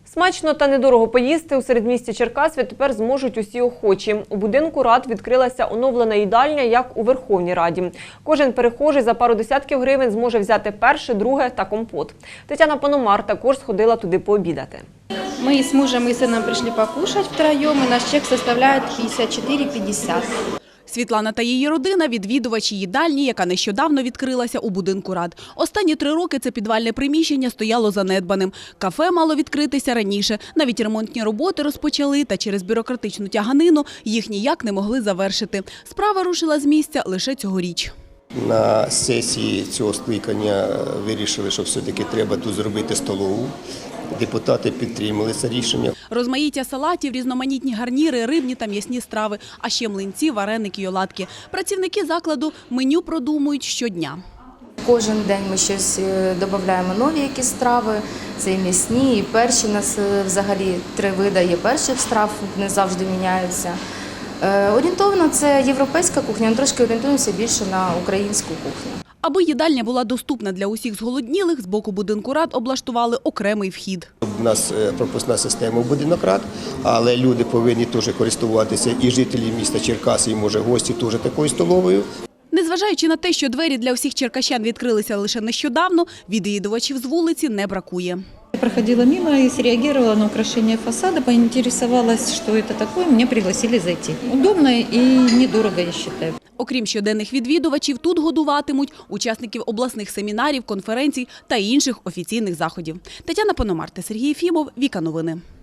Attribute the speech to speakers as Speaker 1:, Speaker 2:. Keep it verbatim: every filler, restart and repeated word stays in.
Speaker 1: Смачно та недорого поїсти у середмісті Черкас відтепер зможуть усі охочі. У будинку рад відкрилася оновлена їдальня, як у Верховній Раді. Кожен перехожий за пару десятків гривень зможе взяти перше, друге та компот. Тетяна Пономар також сходила туди пообідати.
Speaker 2: Мы с мужем и сыном пришли покушать втроем, и наш чек составляет пятьдесят четыре пятьдесят.
Speaker 3: Світлана та її родина – відвідувачі їдальні, яка нещодавно відкрилася у будинку рад. Останні три роки це підвальне приміщення стояло занедбаним. Кафе мало відкритися раніше. Навіть ремонтні роботи розпочали, та через бюрократичну тяганину їх ніяк не могли завершити. Справа рушила з місця лише цьогоріч.
Speaker 4: На сесії цього скликання вирішили, що все-таки треба тут зробити столову. Депутати підтримали це рішення.
Speaker 3: Розмаїття салатів, різноманітні гарніри, рибні та м'ясні страви, а ще млинці, вареники й оладки. Працівники закладу меню продумують щодня.
Speaker 5: Кожен день ми щось додаємо нові якісь страви, це і м'ясні, і перші. У нас взагалі три види є перших страв, не завжди міняються. Орієнтовно це європейська кухня, але трошки орієнтуємося більше на українську кухню.
Speaker 3: Аби їдальня була доступна для усіх зголоднілих, з боку будинку рад облаштували окремий вхід.
Speaker 4: У нас пропускна система в будинок рад, але люди повинні теж користуватися, і жителі міста Черкаси, і, може, гості теж такою столовою.
Speaker 3: Незважаючи на те, що двері для усіх черкащан відкрилися лише нещодавно, відвідувачів з вулиці не бракує.
Speaker 6: Я проходила мимо и среагировала на украшение фасада, поинтересовалась, что это такое, меня пригласили зайти. Удобно и недорого, я считаю.
Speaker 3: Окрім щоденних відвідувачів, тут годуватимуть учасників обласних семінарів, конференцій та інших офіційних заходів. Тетяна Пономар та Сергій Єфімов, Віка Новини.